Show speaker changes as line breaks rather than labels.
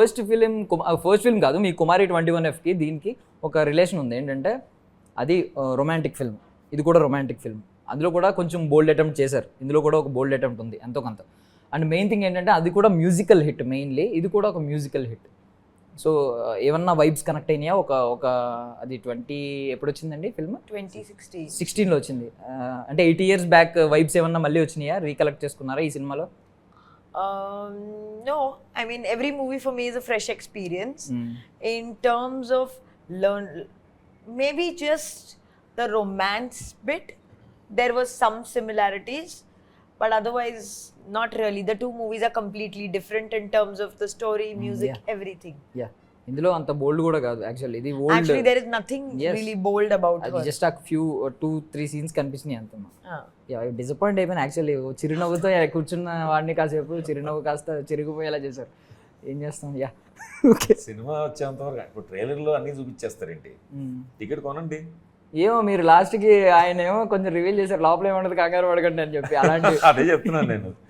First film కాదు, మీ కుమారి 21Fకి దీనికి ఒక రిలేషన్ ఉంది. ఏంటంటే అది రొమాంటిక్ ఫిల్మ్, ఇది కూడా రొమాంటిక్ ఫిల్మ్. అందులో కూడా కొంచెం బోల్డ్ అటెంప్ట్ చేశారు, ఇందులో కూడా ఒక బోల్డ్ అటెంప్ట్ ఉంది ఎంతో కొంత. అండ్ మెయిన్ థింగ్ ఏంటంటే అది కూడా మ్యూజికల్ హిట్, మెయిన్లీ ఇది కూడా ఒక మ్యూజికల్ హిట్. సో ఏమన్నా వైబ్స్ కనెక్ట్ అయినాయా? ఒక అది ఎప్పుడు వచ్చిందండి ఫిల్మ్? 2016లో వచ్చింది. అంటే 8 years బ్యాక్ వైబ్స్ ఏమన్నా మళ్ళీ వచ్చినాయా? రీకలెక్ట్ చేసుకున్నారా ఈ సినిమాలో?
No, I mean every movie for me is a fresh experience. In terms of maybe just the romance bit, there was some similarities, but otherwise not really. The two movies are completely different in terms of the story, music, everything.
Yeah, ఇందులో అంత బోల్డ్ కూడా కాదు actually. ఇది old,
actually there is nothing really bold about her.
Just a few 2-3 scenes కనిపించినాయి అంతమా. Disappoint అయిపోయినా actually. చిరునవ్వుతో కూర్చున్న వాడిని కాసేపు చిరునవ్వు కాస్త చిరిగిపోయేలా చేశారు. ఏం చేస్తాం. Yeah okay.
సినిమా వచ్చేంత వరకు ఇప్పుడు ట్రైలర్లో అన్నీ చూపించేస్తారేంటి, టికెట్ కొనండి.
ఏమో మీరు లాస్ట్కి ఆయన ఏమో కొంచెం రివీల్ చేశారు, లోపల ఏమంటది కంగారు పడకండి అని చెప్పి. అలాంటి
అదే చెప్తున్నాను నేను.